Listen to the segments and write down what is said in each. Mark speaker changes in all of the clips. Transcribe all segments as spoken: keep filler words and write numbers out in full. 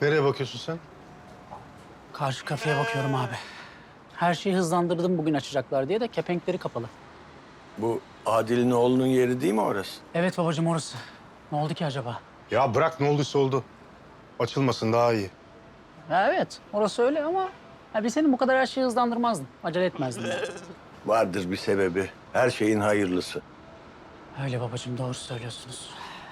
Speaker 1: Nereye bakıyorsun sen?
Speaker 2: Karşı kafeye bakıyorum abi. Her şeyi hızlandırdım bugün açacaklar diye de kepenkleri kapalı.
Speaker 3: Bu Adil'in oğlunun yeri değil mi orası?
Speaker 2: Evet babacığım orası. Ne oldu ki acaba?
Speaker 1: Ya bırak ne olduysa oldu. Açılmasın daha iyi.
Speaker 2: Ya evet orası öyle ama ya biz senin bu kadar her şeyi hızlandırmazdın. Acele etmezdin. Yani.
Speaker 3: Vardır bir sebebi. Her şeyin hayırlısı.
Speaker 2: Öyle babacığım doğru söylüyorsunuz.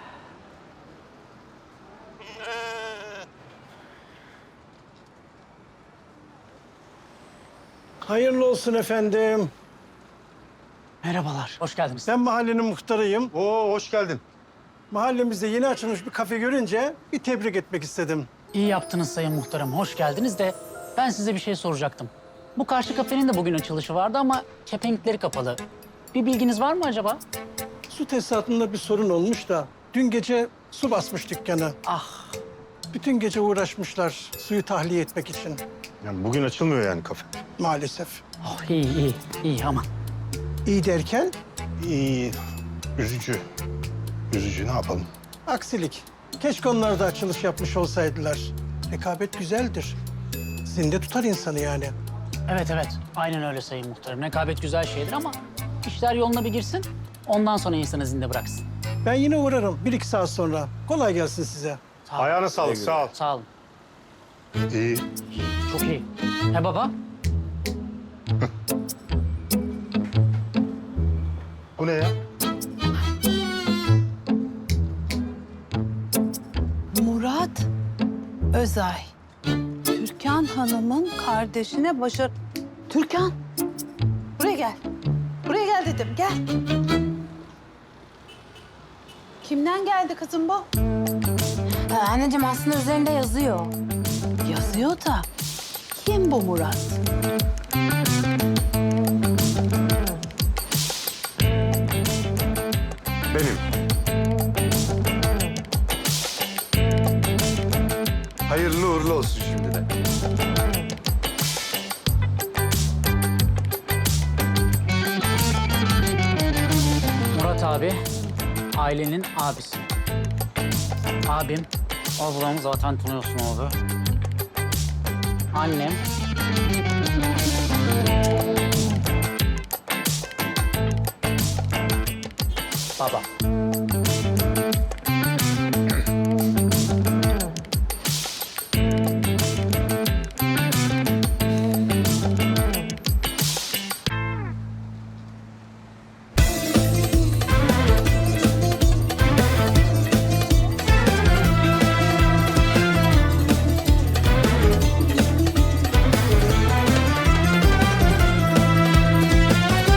Speaker 4: Hayırlı olsun efendim.
Speaker 2: Merhabalar, hoş geldiniz.
Speaker 4: Ben mahallenin muhtarıyım.
Speaker 1: Oo hoş geldin.
Speaker 4: Mahallemizde yeni açılmış bir kafe görünce bir tebrik etmek istedim.
Speaker 2: İyi yaptınız sayın muhtarım, hoş geldiniz de ben size bir şey soracaktım. Bu karşı kafenin de bugün açılışı vardı ama kepenkleri kapalı. Bir bilginiz var mı acaba?
Speaker 4: Su tesisatında bir sorun olmuş da dün gece su basmış dükkanı.
Speaker 2: Ah,
Speaker 4: Bütün gece uğraşmışlar suyu tahliye etmek için
Speaker 1: Yani bugün açılmıyor yani kafe.
Speaker 4: maalesef.
Speaker 2: oh, iyi iyi, iyi aman.
Speaker 4: İyi derken
Speaker 1: İyi. Üzücü. Üzücü ne yapalım?
Speaker 4: aksilik. Keşke onlar da açılış yapmış olsaydılar. Rekabet güzeldir. Zinde tutar insanı yani.
Speaker 2: Evet evet, aynen öyle sayın muhtarım. Rekabet güzel şeydir ama işler yoluna bir girsin, ondan sonra insanı zinde bıraksın.
Speaker 4: Ben yine uğrarım bir iki saat sonra. Kolay gelsin size.
Speaker 2: Sağ olun.
Speaker 1: Ayağına sağlık sağ ol.
Speaker 2: Sağ olun.
Speaker 1: İyi.
Speaker 2: Çok iyi. He baba?
Speaker 1: Bu ne ya?
Speaker 5: Murat Özay. Türkan Hanım'ın kardeşine başar... Türkan! Buraya gel. Buraya gel dedim, gel. Kimden geldi kızım bu?
Speaker 6: Ee, anneciğim aslında üzerinde yazıyor.
Speaker 5: Yazıyor da kim bu Murat?
Speaker 1: Benim. Hayırlı uğurlu olsun şimdiden.
Speaker 2: Murat abi, ailenin abisi. Abim, ablam zaten tanıyorsun abi. Annem. Baba.